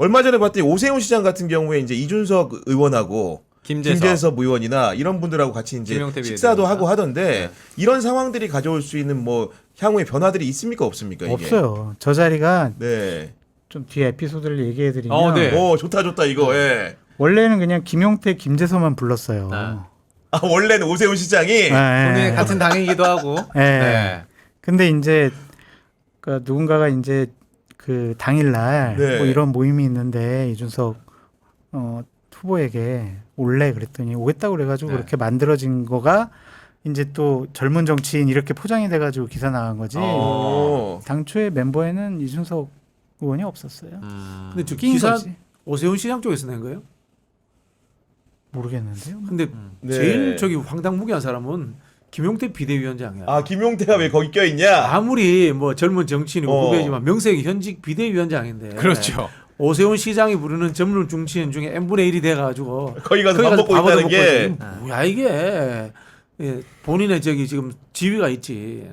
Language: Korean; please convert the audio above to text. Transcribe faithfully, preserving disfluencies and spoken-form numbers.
얼마 전에 봤더니 오세훈 시장 같은 경우에 이제 이준석 의원하고 김재섭, 김재섭 의원이나 이런 분들하고 같이 이제 김용태 식사도 비대위원장. 하고 하던데 네. 이런 상황들이 가져올 수 있는 뭐 향후의 변화들이 있습니까 없습니까? 이게? 없어요. 저 자리가 네. 좀 뒤에 에피소드를 얘기해드리면 어, 네. 오 좋다 좋다 이거. 예. 원래는 그냥 김용태, 김재서만 불렀어요. 네. 아 원래는 오세훈 시장이 네. 본인이 같은 당이기도 하고. 네. 네. 근데 이제 그 누군가가 이제 그 당일날 네. 뭐 이런 모임이 있는데 이준석 어, 후보에게 올래 그랬더니 오겠다고 그래가지고 네. 그렇게 만들어진 거가 이제 또 젊은 정치인 이렇게 포장이 돼가지고 기사 나간 거지. 어. 당초에 멤버에는 이준석 의원이 없었어요. 음. 근데 저 낀 기사 거지. 오세훈 시장 쪽에서 낸 거예요? 모르겠는데요. 근데 네. 제일 저기 황당무계한 사람은 김용태 비대위원장이야. 아 김용태가 왜 거기 껴 있냐? 아무리 뭐 젊은 정치인이고 어. 후배지만 명색이 현직 비대위원장인데. 그렇죠. 오세훈 시장이 부르는 젊은 정치인 중에 n분의 일이 돼가지고 거기 가서 거기 밥 가서 먹고 밥을 있다는 먹고 게 있지. 뭐야 이게. 예, 본인의 저기 지금 지위가 있지.